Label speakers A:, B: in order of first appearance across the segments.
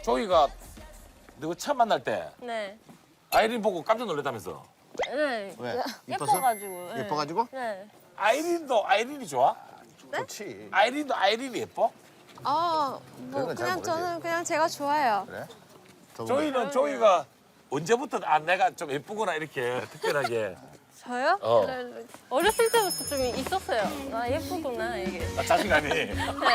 A: 조이가 너 처음 만날 때
B: 네.
A: 아이린 보고 깜짝 놀랐다면서.
B: 네.
C: 왜? 이뻐서?
B: 예뻐가지고. 네.
C: 예뻐가지고?
B: 네.
A: 아이린도 아이린이 좋아?
C: 좋지.
A: 아이린도 아이린이 예뻐?
D: 뭐
C: 그런 건잘
D: 그냥
C: 모르지.
D: 저는 그냥 제가 좋아해요.
C: 그래?
A: 조이는 조이가 언제부터 내가 좀 예쁘구나 이렇게 특별하게.
D: 저요?
A: 어.
B: 어렸을 때부터 좀 있었어요. 아, 예쁘구나, 이게.
A: 자신감이.
B: 네.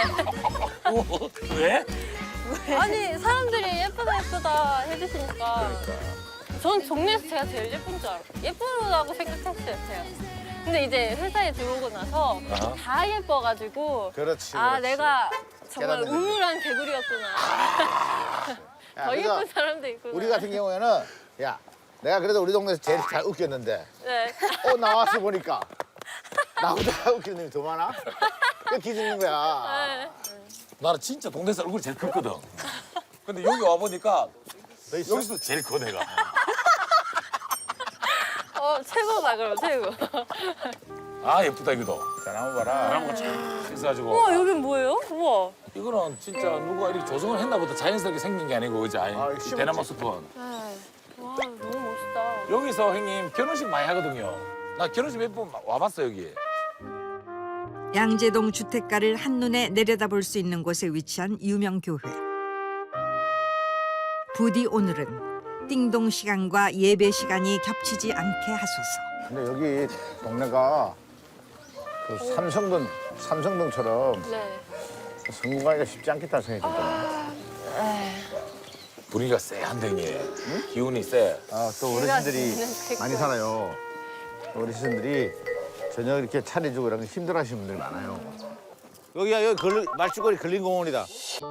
A: 왜?
B: 아니, 사람들이 예쁘다 해주시니까. 전 동네에서 제가 제일 예쁜 줄 알아요. 예쁘다고 생각했어요, 제가. 근데 이제 회사에 들어오고 나서
A: 아하.
B: 다 예뻐가지고.
C: 그렇지.
B: 아,
C: 그렇지.
B: 내가 정말
C: 깨닫는 거지.
B: 우물한 개구리였구나.
C: 야,
B: 더
C: 그래서
B: 예쁜 사람도 있구나.
C: 우리 같은 경우에는 야 내가 그래도 우리 동네에서 제일 잘 웃겼는데
B: 네.
C: 나와서 보니까 나보다 웃기는 놈이 더 많아? 그 기죽는 거야.
B: 네.
A: 나는 진짜 동네에서 얼굴이 제일 컸거든. 근데 여기 와보니까
C: 너 있어?
A: 여기서 제일 커 내가.
B: 최고다, 그럼, 최고.
A: 아 예쁘다 이거도.
C: 자 한번 봐라.
A: 그런 거참 있어가지고.
B: 우와, 여긴 뭐예요? 우와.
A: 이거는 진짜 누가 이렇게 조성을 했나 보다. 자연스럽게 생긴 게 아니고 그지?
C: 아, 이거 심었지.
A: 대나무 숲은.
B: 네. 와, 너무 멋있다.
A: 여기서 형님 결혼식 많이 하거든요. 나 결혼식 몇 번 와봤어 여기.
E: 양재동 주택가를 한눈에 내려다볼 수 있는 곳에 위치한 유명 교회. 부디 오늘은 띵동 시간과 예배 시간이 겹치지 않게 하소서.
C: 근데 여기 동네가 그 삼성동처럼
B: 네.
C: 성공하기가 쉽지 않겠다는 생각이 들더라.
A: 분위기가 쎄한데 형님. 기운이 쎄.
C: 또 어르신들이
B: 지는
C: 많이 살아요. 어르신들이 저녁 이렇게 차려주고 이런 거 힘들어하시는 분들이 많아요. 여기야 여기 말죽거리 근린공원이다.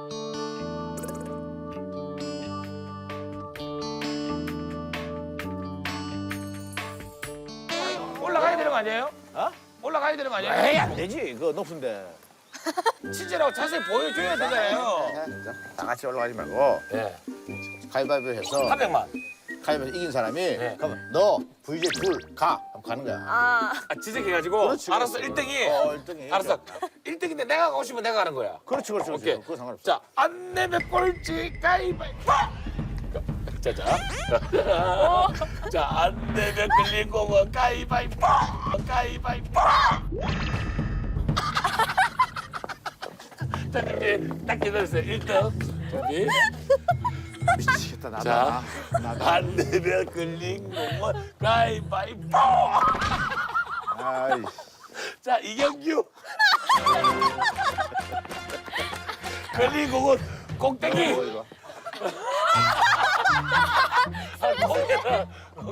A: 올라가야 되는 거 아니에요?
C: 어?
A: 올라가야 되는 거 아니에요?
C: 에이 안 되지 그거 높은데.
A: 친절하고 자세히 보여줘야 되잖아요.
C: 자, 다 같이 올라가지 말고
A: 네.
C: 가위바위보 해서
A: 300만.
C: 가위바위보 이긴 사람이
A: 네.
C: 그러면 너 VJ 둘 가. 하면 가는 거야.
B: 아,
A: 지적해가지고
C: 그렇지,
A: 알았어
C: 그렇지.
A: 1등이.
C: 1등이.
A: 알았어. 1등인데 내가 가고 싶으면 내가 가는 거야.
C: 그렇지 그렇지.
A: 오케이.
C: 그거 상관없어.
A: 자, 안 내면 꼴찌 가위바위보. 자. 자, 안 내면 끌린 공은 가위바위보. 가위바위보. 자, 이제 딱 기다리세요. 1등. 준비.
C: 미치겠다 나도.
A: 자,
C: 나도.
A: 안 내면 끌린 공은 가위바위보.
C: 아이.
A: 자, 이경규. 걸린 공은 꼭대기.
C: 뭐 이거.
A: 고개를.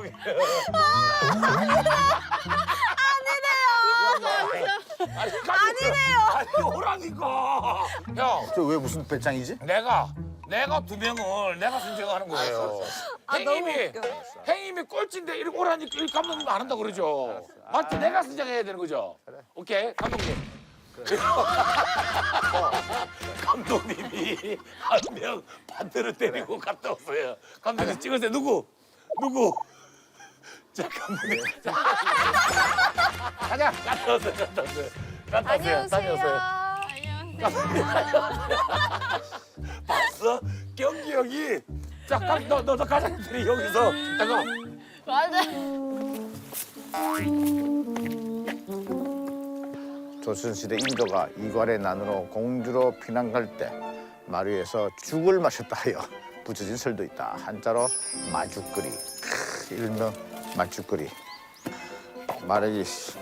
A: 아니네요. 아니, 오라니까. 형,
C: 저 왜 무슨 배짱이지?
A: 내가 두 명을 내가 선정하는 거예요. 행님이 행님이 꼴찌인데 이렇게 오라니까 이 감독님 안 한다 그러죠. 맞지? 내가 선정해야 되는 거죠. 오케이, 감독님. 감독님이 한 명 반대로 때리고 갔다 왔어요. 감독님 찍으세요. 누구? 자, 감독님. 자. 가자. 갔다 왔어요. 다녀오세요. 봤어? 경기 형이 자, 너 가장들이 여기서 잠깐.
B: 맞아.
C: 조선시대 인도가 이괄의 난으로 공주로 피난 갈 때 마루에서 죽을 마셨다 하여 붙여진 설도 있다. 한자로 마죽거리. 일명 마죽거리. 말하기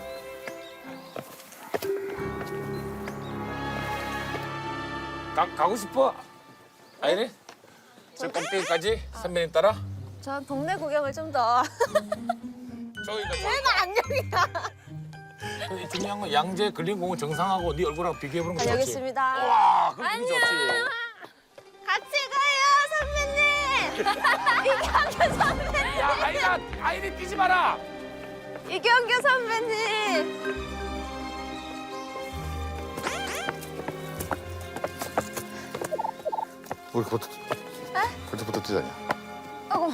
A: 가고 싶어? 아니네? 저 꼭대기까지 선배님 따라?
D: 전 동네 구경을 좀 더.
A: 저기가
D: 내가 안녕이야.
A: 중요한 건 양재 근린공원 정상하고 네 얼굴하고 비교해보는 거 좋지.
D: 여기 있습니다.
A: 와, 그거 기분 좋지.
D: 같이 가요, 선배님. 이경규 선배님.
A: 야, 아이리 뛰지 마라.
D: 이경규 선배님.
C: 우리 그것부터 뛰자냐.
D: 아이고.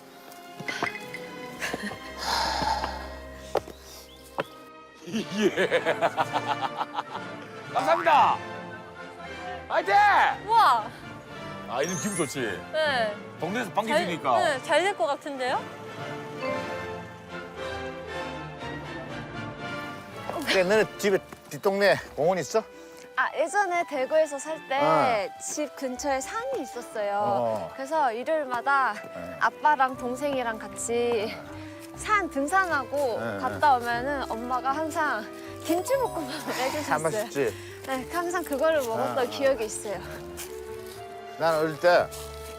A: 예. 감사합니다. 화이팅!
B: 우와.
A: 아 이런 기분 좋지.
B: 네.
A: 동네에서 반겨주니까.
B: 네, 잘 될 것 같은데요?
C: 그래, 너네 집에 뒷동네 공원 있어?
D: 아, 예전에 대구에서 살 때 집 근처에 산이 있었어요. 그래서 일요일마다 아빠랑 동생이랑 같이 산 등산하고 갔다 오면은 엄마가 항상 김치볶음밥을
C: 참
D: 해주셨어요.
C: 맛있지?
D: 네, 항상 그거를 먹었던 기억이 있어요.
C: 난 어릴 때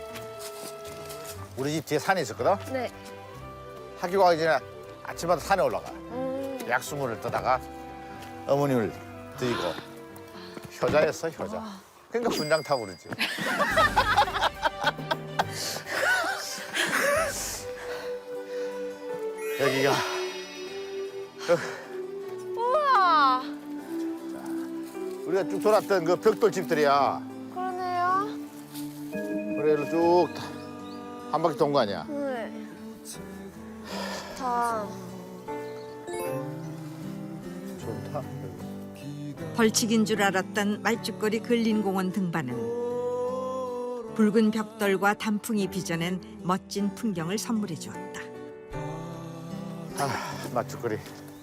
C: 우리 집 뒤에 산이 있었거든?
D: 네.
C: 학교 가기 전에 아침마다 산에 올라가. 약수물을 떠다가 어머님을 드리고 효자였어, 효자. 그러니까 분장 타고 그러지. 여기가
D: 우와,
C: 우리가 쭉 돌았던 그 벽돌 집들이야.
D: 그러네요.
C: 그래로 쭉 한 바퀴 돈 거 아니야.
D: 네. 좋다.
C: 좋다.
E: 벌칙인 줄 알았던 말죽거리 근린공원 등반은 붉은 벽돌과 단풍이 빚어낸 멋진 풍경을 선물해 주었다.
C: 아, 맛죽거리.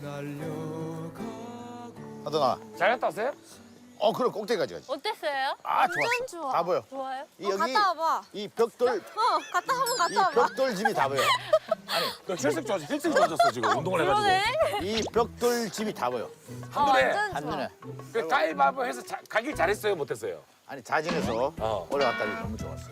C: 하동아,
A: 잘 갔다 왔어요?
C: 그럼 꼭대기까지 가지.
B: 어땠어요?
C: 아,
D: 완전
C: 좋았어.
D: 좋아.
C: 다 보여.
B: 좋아요?
C: 이 여기
D: 갔다 와봐.
C: 이 벽돌,
D: 한번
C: 이
D: 갔다 와봐.
C: 벽돌 집이 다 보여.
A: 너 혈색 좋아졌어 지금 운동을 해가지고.
B: 그러네.
C: 이 벽돌 집이 다 보여.
A: 한눈에.
D: 완전 좋아.
C: 한눈에.
A: 그 가위바위보 해서 가길 잘했어요 못했어요?
C: 아니 자진해서
A: 어.
C: 올라갔다니 너무 좋았어.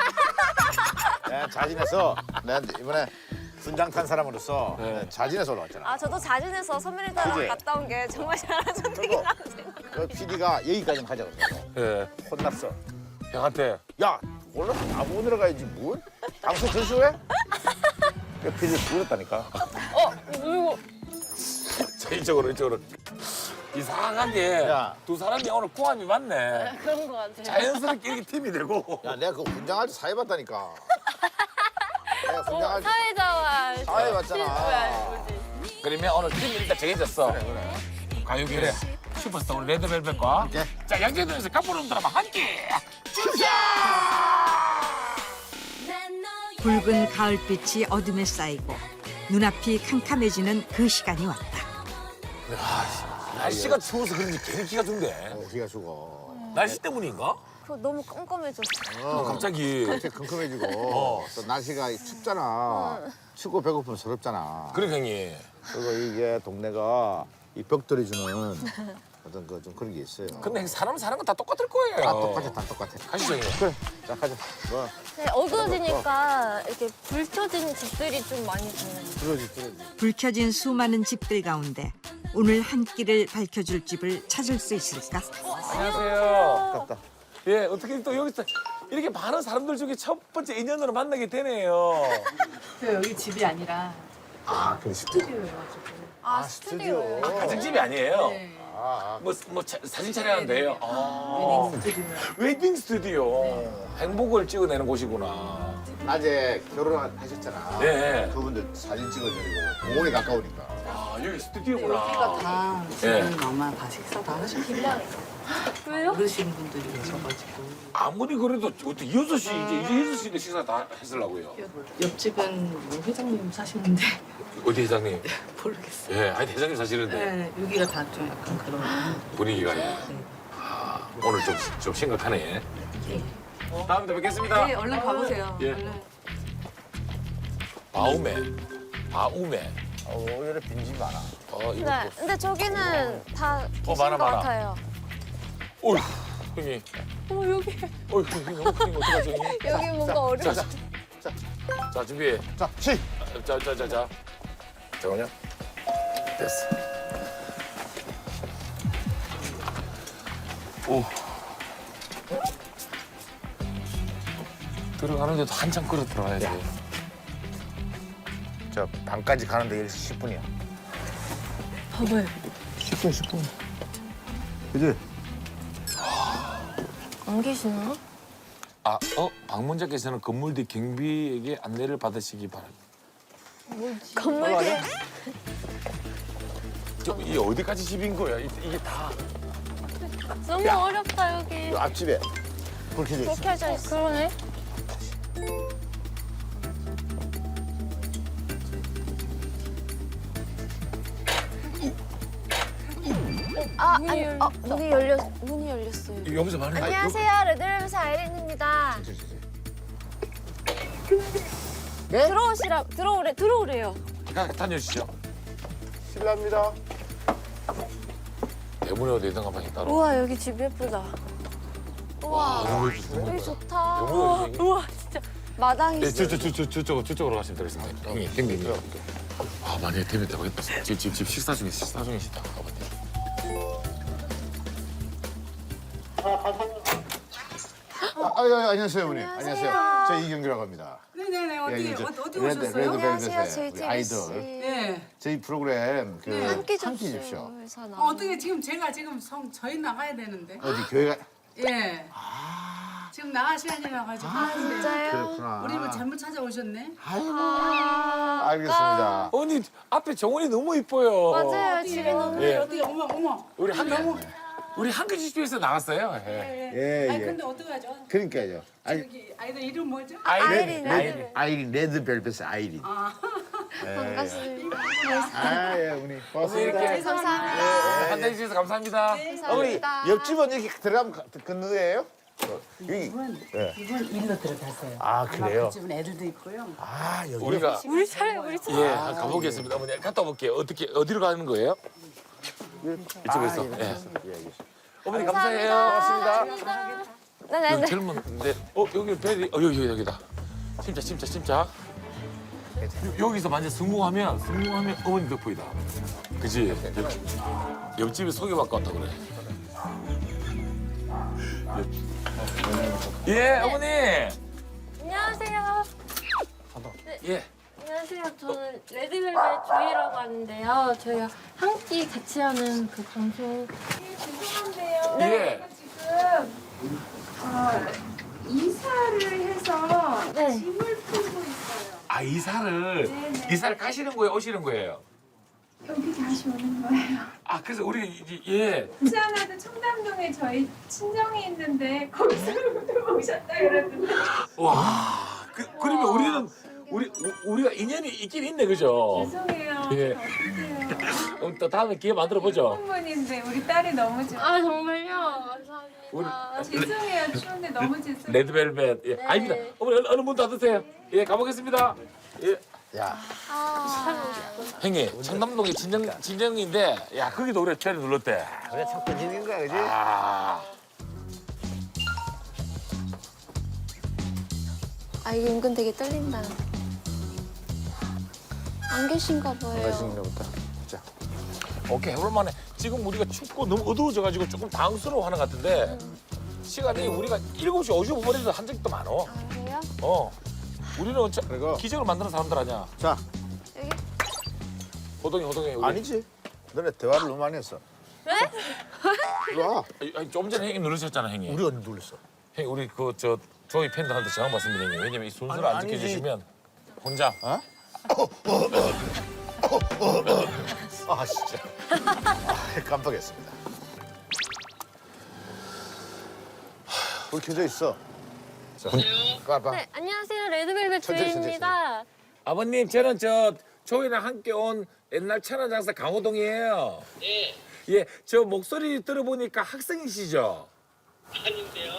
C: 내가 자진해서 내가 이번에 분장 탄 사람으로서 내가 자진해서 올라갔잖아.
D: 아, 저도 자진해서 선배님들랑
C: 그지?
D: 갔다 온 게 정말 잘한 선택이라고 생각해요.
C: 그 PD가 여기까지 가자고 그래서
A: 예.
C: 혼났어.
A: 형한테
C: 야, 올라서 나보고 내려가야지 뭘? 방송 전시회? 그 PD 부렸다니까.
B: 이거
A: 자 이쪽으로. 이상하게
C: 야.
A: 두 사람이 오늘 궁합이 맞네.
B: 그런 것 같아요.
A: 자연스럽게 이렇게 팀이 되고.
C: 야, 내가 그 분장할 때 사회봤다니까. 내가 분장할 때
B: 사회자와
C: 사회 봤잖아.
B: 뭐지?
A: 그러면 오늘 팀이 일단 정해졌어.
C: 그래.
A: 가요계 슈퍼스타 우리 레드벨벳과
C: 오케이.
A: 자 양재동에서 깜부름 드라마 함께 주자.
E: 붉은 가을빛이 어둠에 쌓이고 눈앞이 캄캄해지는 그 시간이 왔다.
A: 날씨가 추워서 그런지 괜히 기가 준대.
C: 기가 죽어.
A: 날씨 때문인가?
D: 그거 너무 깜깜해졌어.
A: 갑자기.
C: 이렇게 킁킁해지고 또 날씨가 춥잖아. 춥고 배고프면 서럽잖아.
A: 그래 형님.
C: 그리고 이게 동네가 이 벽돌이 주는 어떤 그 좀 그런 게 있어요.
A: 근데 사람 사는 건 다 똑같을 거예요.
C: 다 똑같아, 다 똑같아.
A: 가시죠 형님.
C: 그래, 자 가자. 뭐
B: 네, 어두워지니까 이렇게 불 켜진 집들이 좀 많이 보여요.
C: 들어지.
E: 불 켜진 수많은 집들 가운데 오늘 한 끼를 밝혀줄 집을 찾을 수 있을까?
A: 안녕하세요.
C: 갔다.
A: 예, 어떻게 또 여기서 이렇게 많은 사람들 중에 첫 번째 인연으로 만나게 되네요.
F: 저 여기 집이 아니라
C: 아, 그래 스튜디오.
F: 스튜디오여가지고.
D: 아,
C: 스튜디오.
A: 가정집이 아니에요.
F: 네.
A: 사진 촬영하면 돼요. 아,
F: 웨딩 스튜디오.
A: 웨딩 스튜디오. 행복을 찍어내는 곳이구나.
C: 낮에 결혼하셨잖아.
A: 네.
C: 그분들 사진 찍어드리고 공원이 가까우니까.
A: 아, 여기 스튜디오구나.
F: 여기가 다
A: 네.
F: 지금 아마 다 식사 다 하셨겠다.
B: 왜요?
F: 어르신 분들이 계셔가지고.
A: 아무리 그래도 어떻게 6시 이제 6시인데 식사 다 했으려고요.
F: 옆집은 뭐 회장님 사시는데
A: 어디 회장님?
F: 모르겠어요.
A: 예, 아니 회장님 사시는데
F: 네, 여기가 다 좀 약간 그런.
A: 분위기가 예. 아, 오늘 좀 심각하네. 다음에 또 뵙겠습니다.
F: 네, 얼른 가보세요.
A: 예.
F: 얼른.
A: 바우메.
C: 오히려 빈집이 많아.
A: 이거
D: 네, 근데 저기는 다 계신
A: 많아,
D: 것
A: 많아.
D: 같아요.
A: 어휴, 형님.
B: 여기
A: 어휴, 형님 어떡하지, 형님?
D: 여기 뭔가
A: 자,
D: 어려워.
A: 자, 준비해.
C: 자, 시.
A: 자. 잠깐만요. 됐어. 오. 들어가는데도 한참 끌어 들어가야지.
C: 저 방까지 가는데 여기서 10분이야.
B: 봐봐요.
C: 10분. 그지?
B: 안 계시나?
A: 방문자께서는 건물 뒤 경비에게 안내를 받으시기 바랍니다.
B: 건물 뒤에
A: 이게 어디까지 집인 거야? 이게 다.
B: 너무 어렵다 여기.
C: 이 앞집에 불 켜져
D: 불
C: 있어.
D: 켜져 있어.
B: 그러네.
D: 문이 열렸어요.
A: 여기서 말해.
D: 안녕하세요, 레드벨벳의 아이린입니다.
C: 네?
D: 들어오래요.
A: 다녀주시죠.
C: 실례합니다.
A: 대문에 어디 있는 가방이 따로.
D: 우와, 여기 집 예쁘다. 우와, 여기 좋다. 우와, 진짜. 마당이
A: 네,
D: 있어.
A: 저쪽으로 가시면 되겠습니다. 형님, 형님. 아, 만약에 되면 대박이다. 집 식사 중이시다, 아버님.
C: 안녕하세요, 어머니. 안녕하세요. 저 이경규라고 합니다.
F: 네네네. 어디 어디
C: 레드
F: 오셨어요?
D: 안녕하세요, 저희
C: 우리
D: TV
C: 아이돌.
D: 씨.
F: 네.
C: 저희 프로그램 그
D: 함께
C: 함께
D: 줍쇼.
C: 줍쇼.
D: 회사 나.
F: 어떻게 지금 제가 지금 저희 나가야 되는데.
C: 어디 교회가
F: 예. 지금 나갈 시간이라 가지고. 근데
D: 진짜요?
C: 그렇구나.
F: 우리 뭐 잘못 찾아오셨네.
C: 알겠습니다.
A: 언니 앞에 정원이 너무 이뻐요.
D: 맞아요, 집이 너무.
A: 예.
F: 어디 어머.
A: 우리 한글 집에서 나갔어요. 예.
C: 예,
F: 아니
C: 예.
F: 근데 어떡하죠?
C: 그러니까요.
F: 저기 아이들 이름 뭐죠?
C: 아이린 레드벨벳의 아이린.
D: 반갑습니다.
C: 아, 예, 어머니. 고맙습니다.
A: 이렇게
D: 감사합니다.
A: 한다해 주셔서 감사합니다.
C: 어머니,
D: 감사합니다.
C: 옆집은 이렇게 들어가면 건너예요? 여기.
F: 이분
C: 예.
F: 일로 들어가세요.
C: 아, 그래요?
F: 그 집은 애들도 있고요.
C: 아, 여기.
A: 우리가
B: 우리 차례.
A: 예 가보겠습니다. 어머니 갔다 올게요. 어디로 가는 거예요? 이쪽에서.
C: 예.
A: 예.
C: 알겠습니다.
A: 어머니 감사해요.
C: 고맙습니다.
D: 네네네.
A: 젊은데 여기 벨이 여기다. 침자. 여기서 만약 성공하면 어머니 덕분이다. 그지? 옆집에 소개받고 왔다 그래. 예 어머니.
B: 안녕하세요.
A: 예.
B: 안녕하세요. 저는 레드벨벳 조이라고 하는데요. 저희가 한 끼 같이 하는 그 방송.
G: 죄송한데요.
A: 예.
G: 지금 이사를 해서
B: 네.
G: 짐을 풀고 있어요.
A: 아
G: 네네.
A: 이사를 가시는 거예요? 오시는 거예요?
G: 여기 다시 오는 거예요.
A: 아 그래서 우리 이제 예.
G: 부산에도 청담동에 저희 친정이 있는데 거기서 오셨다 그러던데.
A: 와. 그러면 우리가 인연이 있긴 있네 그죠?
G: 죄송해요.
A: 예.
G: 어떡해요.
A: 또 다음에 기회 만들어 보죠.
G: 한분인데 우리 딸이 너무 좋아.
B: 아 정말요? 감사합니다.
G: 죄송해요. 추운데 너무 죄송해요.
A: 레드벨벳. 예. 아닙니다. 어머니 어느 문 닫으세요. 예 가보겠습니다. 예.
C: 야,
A: 형님 청담동이 진정인데 야 거기도 우리가 최를 눌렀대.
C: 그래, 참 꺼지는 거야, 그지?
A: 아.
D: 아, 이거 은근 되게 떨린다. 안 계신가 봐요.
C: 맛있는 거부터. 자,
A: 오케이 해볼만해. 지금 우리가 춥고 너무 어두워져가지고 조금 당황스러워하는 것 같은데 시간이 우리가 7시 55분에도 한 적도 많어.
D: 아, 그래요?
A: 우리는
C: 그리고-
A: 기적을 만드는 사람들 아니야.
C: 자,
D: 여기?
A: 호동이 우리.
C: 아니지. 너네 대화를 너무 많이 했어.
B: 네?
C: 이리 와.
A: 아니, 좀 전에 형님 누르셨잖아 형님.
C: 우리 언니 놀랬어.
A: 형님 우리 조이 팬들한테 전화 받습니다 형님. 왜냐면 이 순서를 안
C: 아니지.
A: 지켜주시면 혼자.
C: 어? 아, 진짜. 아, 깜빡했습니다. 불 켜져 있어. 자, 까봐.
B: 네, 안녕하세요. 레드벨벳
C: 천천히,
B: 조이입니다.
A: 아버님 저는 조이랑 함께 온 옛날 천안장사 강호동이에요. 네. 예, 저 목소리 들어보니까 학생이시죠? 아닌데요.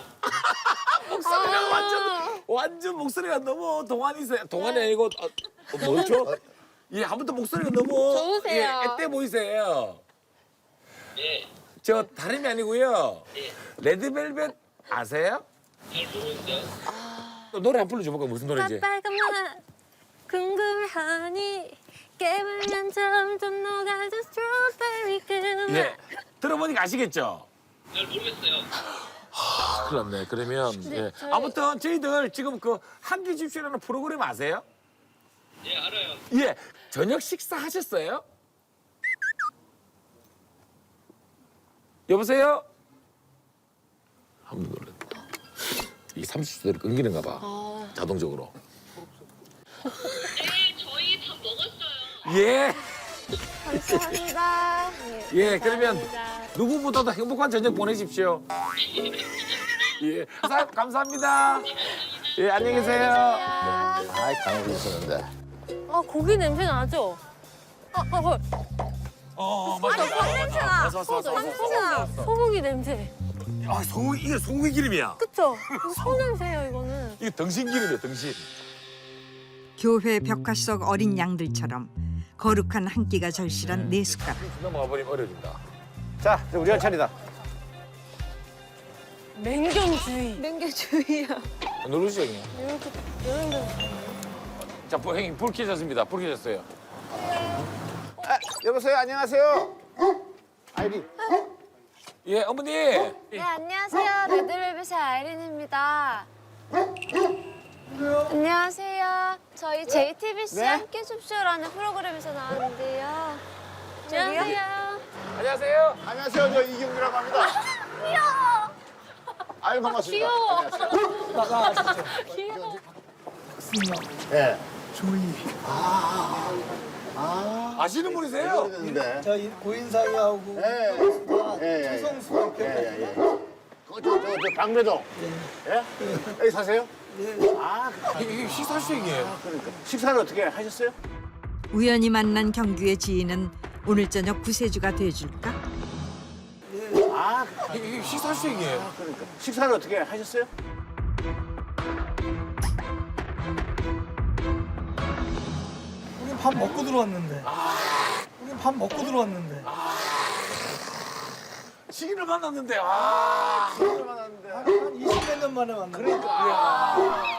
A: 목소리가 완전 목소리가 너무 동안이세요. 동안이 아니고 뭐죠? 예, 아무튼 목소리가 너무
B: 좋으세요.
A: 예, 앳돼 보이세요. 예. 저 다름이 아니고요. 레드벨벳 아세요? 잘 모르는데요. 노래 한 불러줘 볼까 무슨 노래인지.
B: 빨간맛 궁금하니 깨물면 점점 녹아져 스트로베리 그
A: 예. 들어보니까 아시겠죠? 잘 모르겠어요. 큰일 났네. 그러면 예.
B: 저희-
A: 아무튼 저희들 지금 그 한끼 집쇼라는 프로그램 아세요? 예, 알아요. 예. 저녁 식사 하셨어요? 여보세요? 한번 놀랐다. 이 30초대로 끊기는가 봐. 자동적으로.
H: 네, 저희 다 먹었어요.
A: 예.
D: 감사합니다.
A: 예, 그러면
B: 감사합니다.
A: 누구보다도 행복한 저녁 보내십시오. 예, 감사합니다. 예, 안녕히 계세요.
C: 아이 강호도 있었는데.
B: 아 고기 냄새 나죠? 헐.
A: 맞아.
D: 냄새 나.
A: 왔어.
B: 소고기 냄새.
A: 아, 이게 소고기 기름이야.
B: 그쵸? 소 냄새예요 이거는.
A: 이게 등심 기름이야, 등심.
E: 교회 벽화 속 어린 양들처럼 거룩한 한 끼가 절실한 네 숟가락.
A: 넘어가 버리면 어려진다.
C: 자, 이제 우리가 차리다.
B: 맹견주의.
D: 맹개주의야.
A: 누르시죠, 형님.
B: 이렇게.
A: 자, 형님 불 켜졌습니다. 불 켜졌어요.
C: 아, 여보세요. 안녕하세요. 아이리.
A: 예, 어머니.
D: 네, 안녕하세요. 레드벨벳의 아이린입니다. 안녕하세요. 저희 JTBC
C: 네?
D: 함께 줍쇼라는 프로그램에서 나왔는데요.
B: 안녕하세요.
A: 안녕하세요.
C: 안녕하세요. 저 이경규라고 합니다.
D: 귀여워.
C: 아유 반갑습니다.
B: 귀여워.
C: 안녕하세요.
B: 귀여워.
C: 예.
A: 아시는 분이세요?
C: 네.
I: 저희 고인상이하고
C: 예.
I: 최성수 이렇게
C: 예. 저 방배동. 예? 여기 사세요? 아,
A: 이게 식사 수익이에요.
C: 그러니까. 식사를 어떻게 하셨어요?
E: 우연히 만난 경규의 지인은 오늘 저녁 구세주가 돼줄까?
C: 아,
A: 이게 식사 수익이에요.
C: 그러니까. 식사를 어떻게 하셨어요?
I: 우린 밥 먹고 들어왔는데. 우린 밥 먹고 들어왔는데.
A: 시기를 만났는데, 아.
I: 한 20몇 년 만에 만난 그러니까.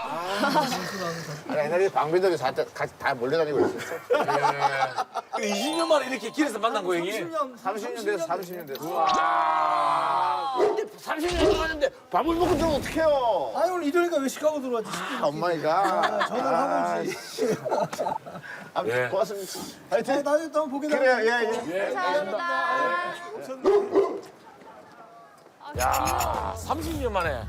C: 옛날에 방배동에 같이 다 몰려다니고 있었어.
A: 예. 20년 만에 이렇게 길에서 만난 거예요, 형님?
C: 30년 됐어, 30년 됐어.
A: 와.
C: 근데 30년 동안인데 밥을 먹고 들어오면 어떡해요?
I: 아니 오늘 이러니까 왜 시카고 들어왔지?
C: 엄마이가.
I: 전화를 하고 오지.
A: 예.
C: 고맙습니다.
I: 아,
C: 하여튼.
I: 나중에 또 한번 보게
C: 그래요,
I: 되면.
C: 예.
D: 감사합니다.
A: 야, 30년 만에.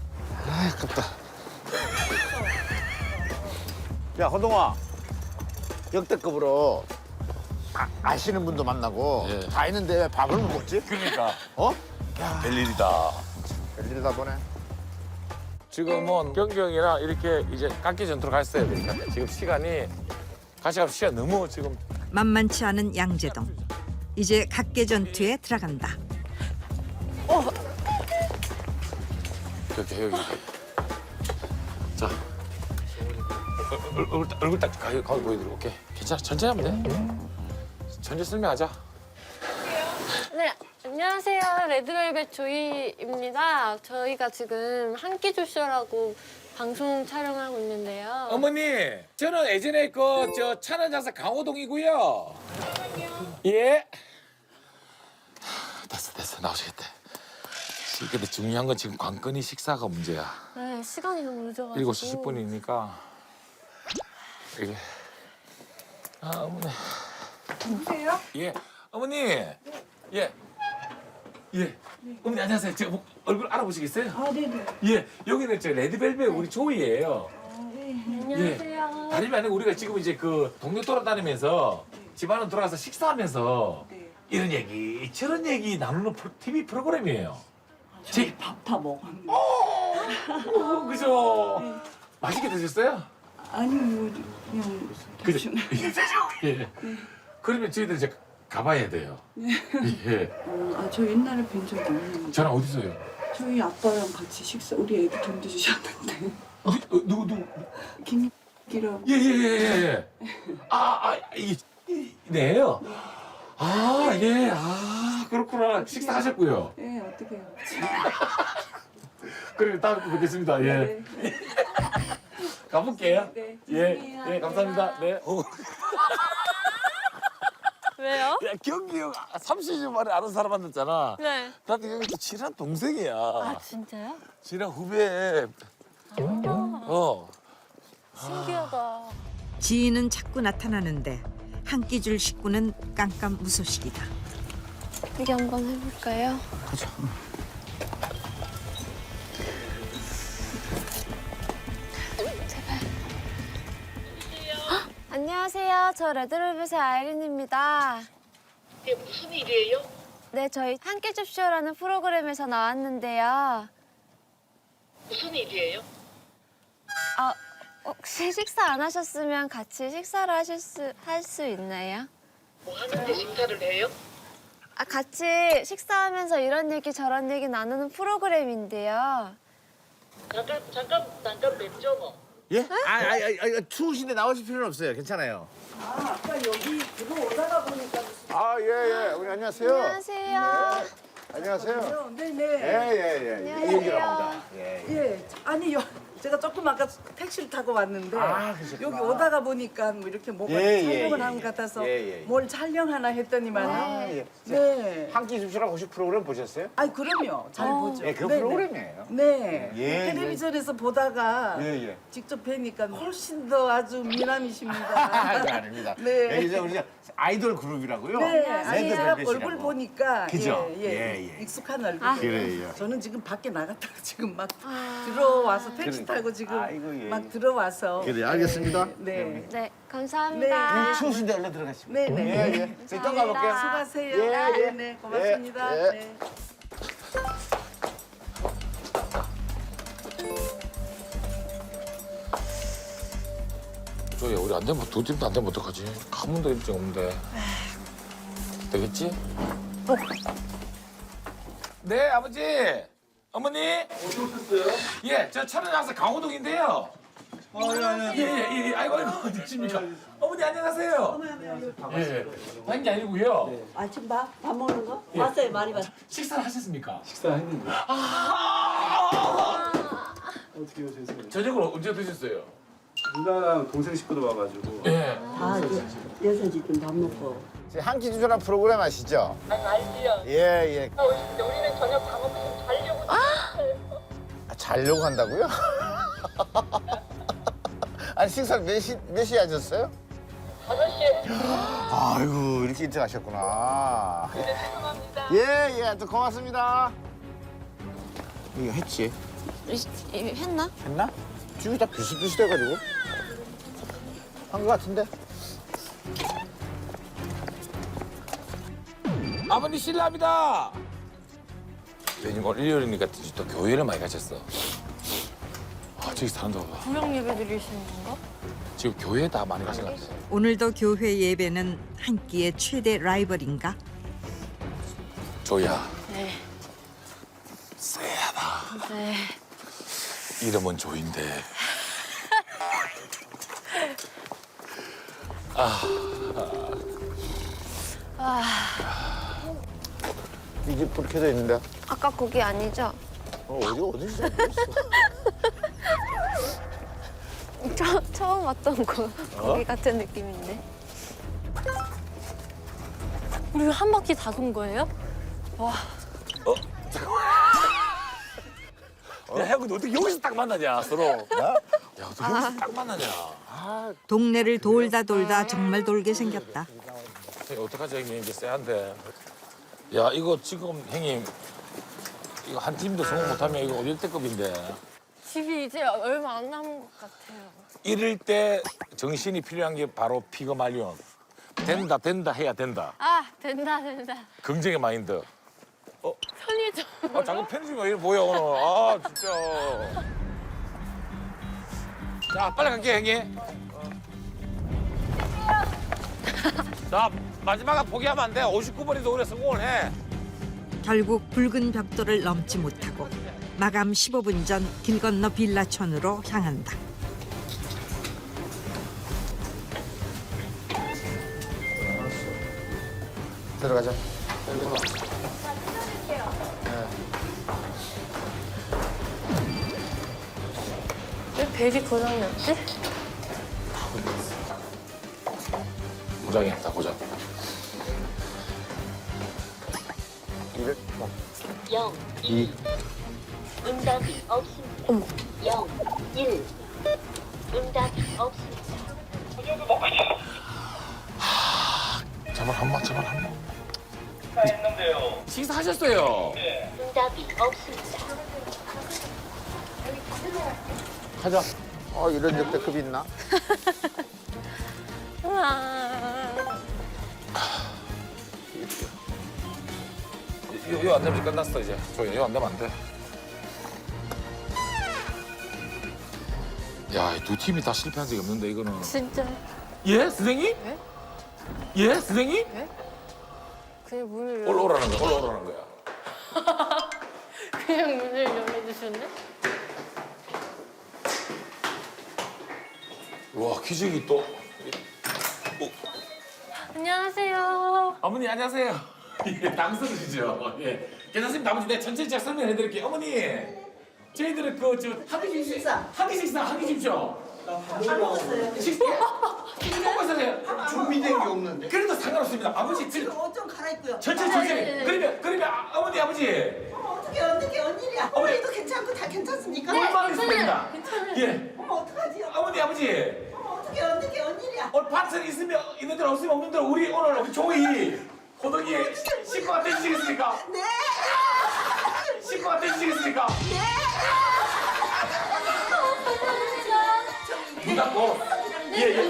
C: 야, 호동아. 역대급으로 아시는 분도 만나고
A: 예.
C: 다 있는데 왜 밥을 못 먹지?
A: 그러니까.
C: 어?
A: 별일이다.
C: 별일이다 보네.
A: 지금은 경경이랑 이렇게 이제 깎기 전투로 갔어야 되니까 지금 시간이 가시가 시간 너무 지금
E: 만만치 않은 양재동. 이제 각계전투에 들어간다.
A: 여기. 자, 얼굴 딱 가게 보여드리고 오케이. 괜찮아, 천천히 하면 돼. 천천히 설명하자.
B: 네, 안녕하세요. 레드벨벳 조이입니다. 저희가 지금 한 끼 줍쇼라고 방송 촬영하고 있는데요.
A: 어머니, 저는 예전에 저 찬원장사 강호동이고요. 예. 됐어, 나오시겠다. 근데 중요한 건 지금 관건이 식사가 문제야.
B: 네, 시간이 너무 늦어가지고.
A: 7시 10분이니까 이게 어머니.
G: 누구세요?
A: 예, 어머니. 예. 어머니 안녕하세요. 저 얼굴 알아보시겠어요?
G: 아, 네네.
A: 예, 여기는 저 레드벨벳 우리 조이예요.
B: 안녕하세요.
A: 다름이 아니고 우리가 지금 이제 그 동네 돌아다니면서 집안으로 돌아가서 식사하면서 이런 얘기 저런 얘기 나누는 TV 프로그램이에요.
F: 저희 밥 다 먹었는데.
A: 그죠? 맛있게 드셨어요?
F: 아니 뭐 그냥
A: 그죠? 예. 그러면 저희들 이제 가봐야 돼요. 예.
F: 저 옛날에 뵌 적이 없는데.
A: 저랑 어디서요?
F: 저희 아빠랑 같이 식사 우리 애기 돈 주셨는데.
A: 누구?
F: 김기라고.
A: 예. 네요. 예. 그렇구나. 식사하셨고요.
F: 네 어떻게 해요?
A: 그래, 다음에 뵙겠습니다. 예.
F: 네.
A: 가볼게요.
F: 네.
A: 예, 감사합니다. 네.
B: 왜요?
A: 야, 경기 형 30년 만에 아는 사람 만났잖아.
B: 네.
A: 나한테 경기 또 친한 동생이야.
B: 아, 진짜요?
A: 친한 후배.
B: 신기하다.
E: 지인은 자꾸 나타나는데 한 끼 줄 식구는 깜깜무소식이다.
D: 여기 한번 해볼까요?
A: 그죠.
D: 안녕하세요. 저 레드벨벳의 아이린입니다.
H: 이게 무슨 일이에요?
D: 네, 저희 함께 줍쇼라는 프로그램에서 나왔는데요.
H: 무슨 일이에요?
D: 아, 혹시 식사 안 하셨으면 같이 식사를 할 수 있나요?
H: 뭐 하는데 식사를 해요?
D: 아, 같이 식사하면서 이런 얘기 저런 얘기 나누는 프로그램인데요.
H: 잠깐 뵙죠 뭐.
C: 예? 추우신데 나오실 필요는 없어요. 괜찮아요.
F: 아까 여기 들어오다가 보니까
C: 예. 우리 안녕하세요.
D: 안녕하세요.
C: 안녕하세요.
F: 네네.
C: 예.
D: 안녕하세요.
C: 이은기라고 합니다.
F: 예. 아니 제가 조금 아까 택시를 타고 왔는데
C: 그러셨구나.
F: 여기 오다가 보니까 뭐 이렇게 뭐가 촬영을 하는 것 같아서 뭘 촬영하나 했더니만 네.
C: 한 끼 줍쇼랑 혹시 프로그램 보셨어요?
F: 아이 그럼요. 잘 보죠.
C: 그
F: 네네.
C: 프로그램이에요.
F: 네.
C: 예,
F: 텔레비전에서 보다가
C: 예.
F: 직접 뵈니까 훨씬 더 아주 미남이십니다.
C: 아닙니다.
F: 네.
C: 이제 우리 아이돌 그룹이라고요.
F: 네. 아니
C: 랜드
F: 제가
C: 벨벳이라고.
F: 얼굴 보니까
C: 그죠?
F: 예. 익숙한 얼굴.
C: 그래요.
F: 저는 지금 밖에 나갔다가 지금 막 들어와서 택시 타고 지금
C: 아이고, 예.
F: 막 들어와서.
C: 그래, 알겠습니다.
F: 네.
D: 네, 감사합니다.
C: 추우신데 얼른 들어가시죠.
F: 네네.
C: 예. 저희 또 가볼게요.
F: 수고하세요.
C: 예.
F: 네, 고맙습니다.
C: 예.
F: 네.
A: 저기 우리 안 되면 두 팀도 안 되면 어떡하지? 한 번도 일정 없는데. 되겠지? 네, 아버지. 어머니. 어디 오셨어요? 예, 저 천안항사 강호동인데요. 예. 아이고, 어디 계십니까? 어머니 안녕하세요. 예. 다른 게 아니고요.
J: 아침 밥 먹는 거? 왔어요, 많이 왔어요.
A: 식사를 하셨습니까?
I: 식사했는데
A: 아!
I: 어떻게 오셨어요?
A: 저녁을 언제 드셨어요?
I: 누나랑 동생 식구도 와가지고
A: 예.
J: 다 6시쯤 밥 먹고.
C: 한 끼 줍쇼랑 프로그램 아시죠?
H: 알지요.
C: 예.
H: 근데 우리는 저녁 밥 먹고 좀 자려고
C: 자려고 한다고요? 아니 식사 몇 시에 하셨어요?
H: 5시에
C: 아이고 이렇게 일찍 하셨구나.
H: 죄송합니다.
C: 예. 또 고맙습니다. 이거 했지?
D: 했나?
C: 했나? 지금 다 비슷비슷해가지고 한 것 같은데.
A: 아버님 실례합니다. 왜냐면 오늘 일요일이니까 또 교회를 많이 가셨어. 저기 사람도 봐봐.
B: 구역 예배 드리시는 건가?
A: 지금 교회에 다 많이 가신 것 같아요.
E: 오늘도 교회 예배는 한 끼의 최대 라이벌인가?
A: 조야.
B: 네.
A: 쎄하다.
B: 네.
A: 이름은 조인데.
C: 이 집 불 켜져 있는데.
D: 아까 거기 아니죠?
C: 어디지?
D: 처음 왔던 거기 같은 느낌인데.
B: 우리 한 바퀴 다 돈 거예요? 와.
A: 야, 형, 근데 어떻게 여기서 딱 만나냐, 서로. 야, 어떻게 여기서 딱 만나냐.
E: 동네를 돌다 정말 돌게 생겼다.
A: 형님, 어떡하지, 형님. 이제 쎄한데. 야, 이거 지금, 형님, 이거 한 팀도 성공 못하면 이거 1대급인데.
B: 집이 이제 얼마 안 남은 것 같아요.
A: 이럴 때 정신이 필요한 게 바로 피그말리온. 된다 해야 된다.
B: 아, 된다.
A: 긍정의 마인드.
B: 편의점.
A: 자꾸 편집이 왜 이래 보여, 오늘. 진짜. 자, 빨리 갈게, 형님. 자, 마지막에 포기하면 안 돼. 59번이 올해 성공을 해.
E: 결국 붉은 벽돌을 넘지 못하고 마감 15분 전 길 건너 빌라촌으로 향한다.
C: 들어가자.
B: 왜 벨이 고장났지?
A: 고장이 없다, 고장.
H: 0, 2. 응답이 없습니다. 0, 1. 응답이 없습니다.
A: 제발 한 번. 식사하셨어요.
H: 응답이 없습니다.
A: 가자.
C: 이런 역대급이 있나?
A: 이거 안 되면 끝났어, 이제. 이거 안 되면 안 돼. 야, 두 팀이 다 실패한 적이 없는데 이거는.
B: 진짜.
A: 예, 선생님?
B: 네?
A: 예, 선생님?
B: 그냥 문을
A: 올라오라는 거야. 올라오라는 거야.
B: 그냥 문을 열어주셨네?
A: 와, 기적이 또.
B: 안녕하세요.
A: 어머니 안녕하세요. 예, 당선이시죠? 예. 괜찮습니다. 아버지 내가 천천히 제가 설명해 드릴게요. 어머니, 저희들은 한끼 식사 하십시오.
J: 안 먹었어요.
A: 식사? 먹고 있어요.
I: 준비된 게 없는데.
A: 그래도 상관없습니다. 아버지
J: 지금 옷 좀 갈아입고요.
A: 천천히.
B: 네네네.
A: 그러면 어머니 아버지
J: 어떻게 웬일이야? 어머니도 괜찮고 다 괜찮습니까?
A: 얼마나 있습니다.
B: 괜찮아요.
A: 예.
J: 어머 어떡하지?
A: 어머니 아버지
J: 어떻게 웬일이야?
A: 오늘 파트는 있는 대로 없으면 없는 대로 오늘 우리 조이 호동이 식구가 되시겠습니까?
J: 네.
A: 식구가 되시겠습니까? 문 닫고 예.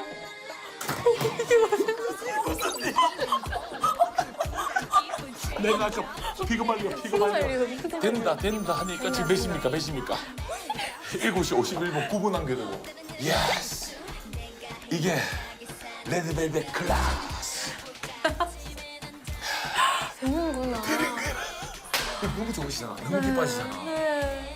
A: 내가 좀 피고 말려. 된다 하니까 지금 몇 시입니까? 7시 51분 9분 남겨두고. 예스. 이게 레드벨벳 클라스.
B: 되는구나.
A: 너무 좋으시잖아. 너무 기뻐하시잖아.
B: 네.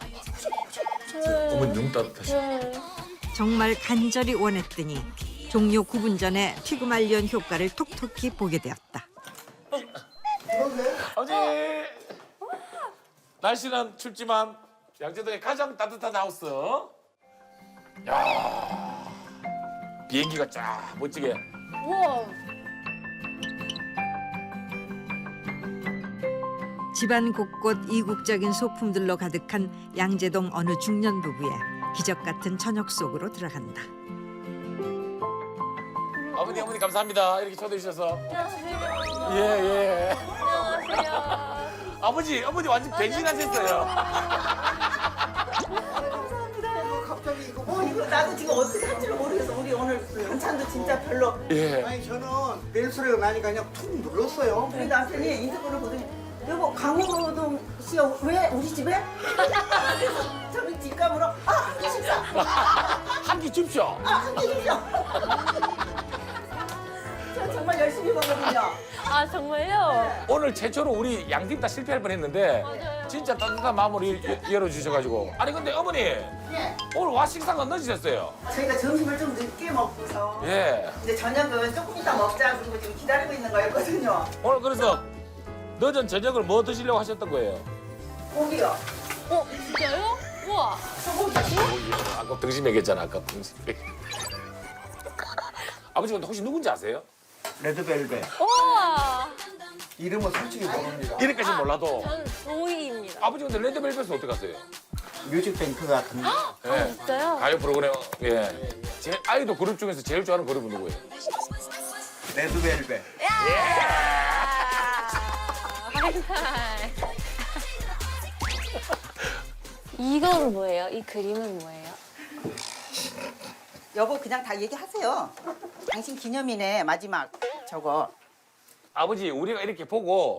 A: 어머니 너무 따뜻하시.
E: 정말 간절히 원했더니 종료 9분 전에 피그말리온 효과를 톡톡히 보게 되었다.
A: 아버지. 날씨는 춥지만 양재동의 가장 따뜻한 하우스. 야. 비행기가 쫙 멋지게.
B: 우와.
E: 집안 곳곳 이국적인 소품들로 가득한 양재동 어느 중년 부부의 기적 같은 저녁 속으로 들어간다.
A: 어머니 감사합니다. 이렇게 초대해 주셔서.
B: 안녕하세요.
A: 예.
B: 안녕하세요.
A: 어머니 완전 배신하셨어요.
J: 갑자기 이거 나도 지금 어떻게 할지를 모르겠어. 우리 오늘 반찬도 진짜 별로.
A: 예.
I: 아니 저는 벨 소리가 나니까 그냥 툭 눌렀어요.
J: 우리 남편이 인터폰을 보더니 여보 강호동 씨가 왜 우리 집에? 그래서 저는 뒷감으로 한 끼 식사.
A: 한 끼 줍쇼.
J: 한 끼 줍쇼. 저 정말 열심히 먹거든요.
B: 아 정말요?
A: 오늘 최초로 우리 양팀 다 실패할 뻔했는데
B: 맞아요.
A: 진짜 따뜻한 마음으로 열어주셔가지고. 아니 근데 어머니
J: 예.
A: 오늘 와 식사가 늦으셨어요.
J: 저희가 점심을 좀 늦게 먹고서
A: 예.
J: 이제 저녁은 조금 이따 먹자 그리고 지금 기다리고 있는 거였거든요.
A: 오늘 그래서 늦은 저녁을 뭐 드시려고 하셨던 거예요?
J: 고기요.
B: 진짜요? 우와.
A: 아까 등심 얘기했잖아. 아까 등심. 아버지 근데 혹시 누군지 아세요?
I: 레드벨벳.
B: 우와.
I: 이름은 솔직히 모릅니다.
A: 이름까지 몰라도.
B: 저는 조이입니다.
A: 아버지 근데 레드벨벳은 어떻게 아세요?
I: 뮤직뱅크 같은데.
A: 예.
B: 진짜요?
A: 가요 프로그램. 예. 제 아이돌 그룹 중에서 제일 좋아하는 그룹은 누구예요?
I: 레드벨벳.
B: 이건 뭐예요? 이 그림은 뭐예요?
J: 여보 그냥 다 얘기하세요. 당신 기념이네 마지막 저거.
A: 아버지 우리가 이렇게 보고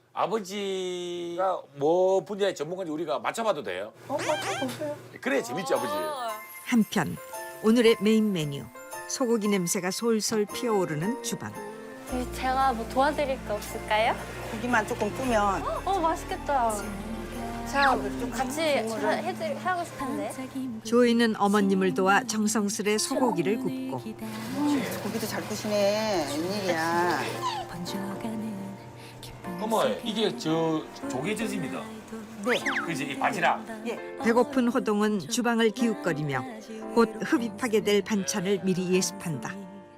A: 아버지가 뭐 분야의 전문가인지 우리가 맞춰봐도 돼요?
J: 맞춰보세요.
A: 그래 재밌지 아버지.
E: 한편 오늘의 메인 메뉴 소고기 냄새가 솔솔 피어오르는 주방.
B: 제가 뭐 도와드릴 거 없을까요?
J: 고기만 조금 뿌면
B: 맛있겠다. 제가 좀 같이 하고 싶은데.
E: 조이는 어머님을 도와 정성스레 소고기를 굽고
J: 고기도 잘 구시네. 웬일이야.
A: 어머 이게 저 조개젓입니다.
J: 네.
A: 그지 이 바지락.
E: 배고픈 호동은 주방을 기웃거리며 곧 흡입하게 될 반찬을 미리 예습한다.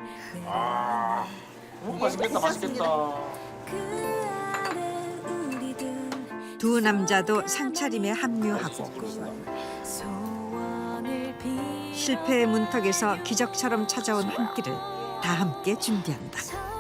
A: 맛있겠다 맛있겠다.
E: 두 남자도 상차림에 합류하고 실패의 문턱에서 기적처럼 찾아온 한 끼를 다 함께 준비한다.